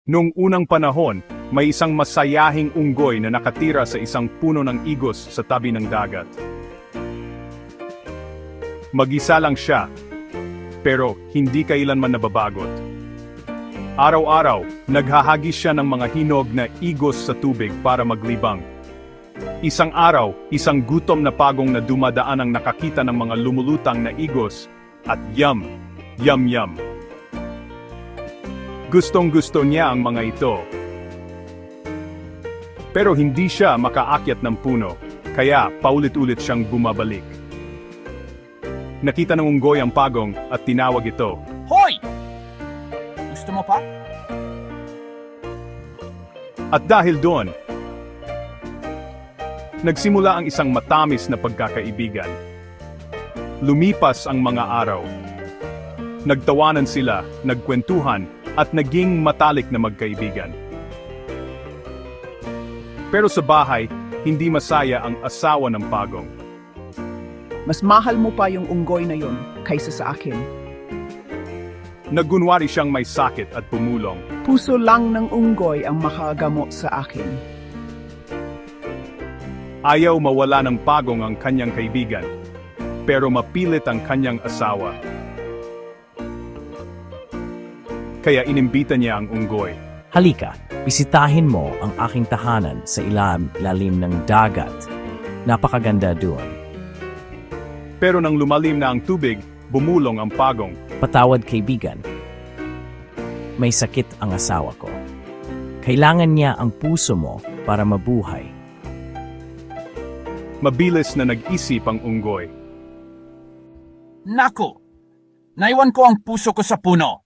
Noong unang panahon, may isang masayahing unggoy na nakatira sa isang puno ng igos sa tabi ng dagat. Mag-isa lang siya, pero hindi kailanman nababagot. Araw-araw, naghahagis siya ng mga hinog na igos sa tubig para maglibang. Isang araw, isang gutom na pagong na dumadaan ang nakakita ng mga lumulutang na igos, at yum, yum yum. Gustong-gusto niya ang mga ito. Pero hindi siya makaakyat ng puno, kaya paulit-ulit siyang bumabalik. Nakita ng unggoy ang pagong at tinawag ito. Hoy! Gusto mo pa? At dahil doon, nagsimula ang isang matamis na pagkakaibigan. Lumipas ang mga araw. Nagtawanan sila, nagkwentuhan, at naging matalik na magkaibigan. Pero sa bahay, hindi masaya ang asawa ng pagong. Mas mahal mo pa yung unggoy na yun kaysa sa akin. Naggunwari siyang may sakit at pumulong. Puso lang ng unggoy ang makagamot sa akin. Ayaw mawala ng pagong ang kanyang kaibigan, pero mapilit ang kanyang asawa. Kaya inimbita niya ang unggoy. Halika, bisitahin mo ang aking tahanan sa ilalim ng dagat. Napakaganda doon. Pero nang lumalim na ang tubig, bumulong ang pagong. Patawad kaibigan. May sakit ang asawa ko. Kailangan niya ang puso mo para mabuhay. Mabilis na nag-isip ang unggoy. Naku! Naiwan ko ang puso ko sa puno.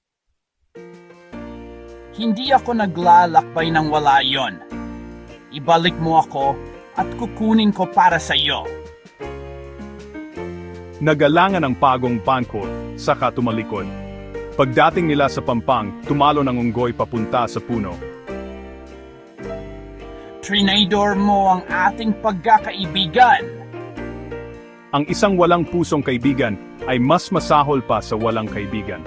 Hindi ako naglalakbay ng wala yon. Ibalik mo ako at kukunin ko para sa iyo. Nagalangan ang pagong pankot, saka tumalikod. Pagdating nila sa pampang, tumalo ng unggoy papunta sa puno. Trinador mo ang ating pagkakaibigan. Ang isang walang pusong kaibigan ay mas masahol pa sa walang kaibigan.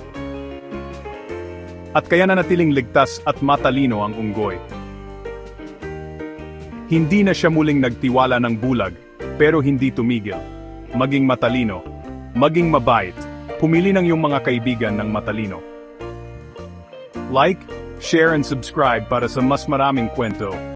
At kaya nanatiling ligtas at matalino ang unggoy. Hindi na siya muling nagtiwala ng bulag, pero hindi tumigil. Maging matalino, maging mabait, pumili ng iyong mga kaibigan ng matalino. Like, share and subscribe para sa mas maraming kwento.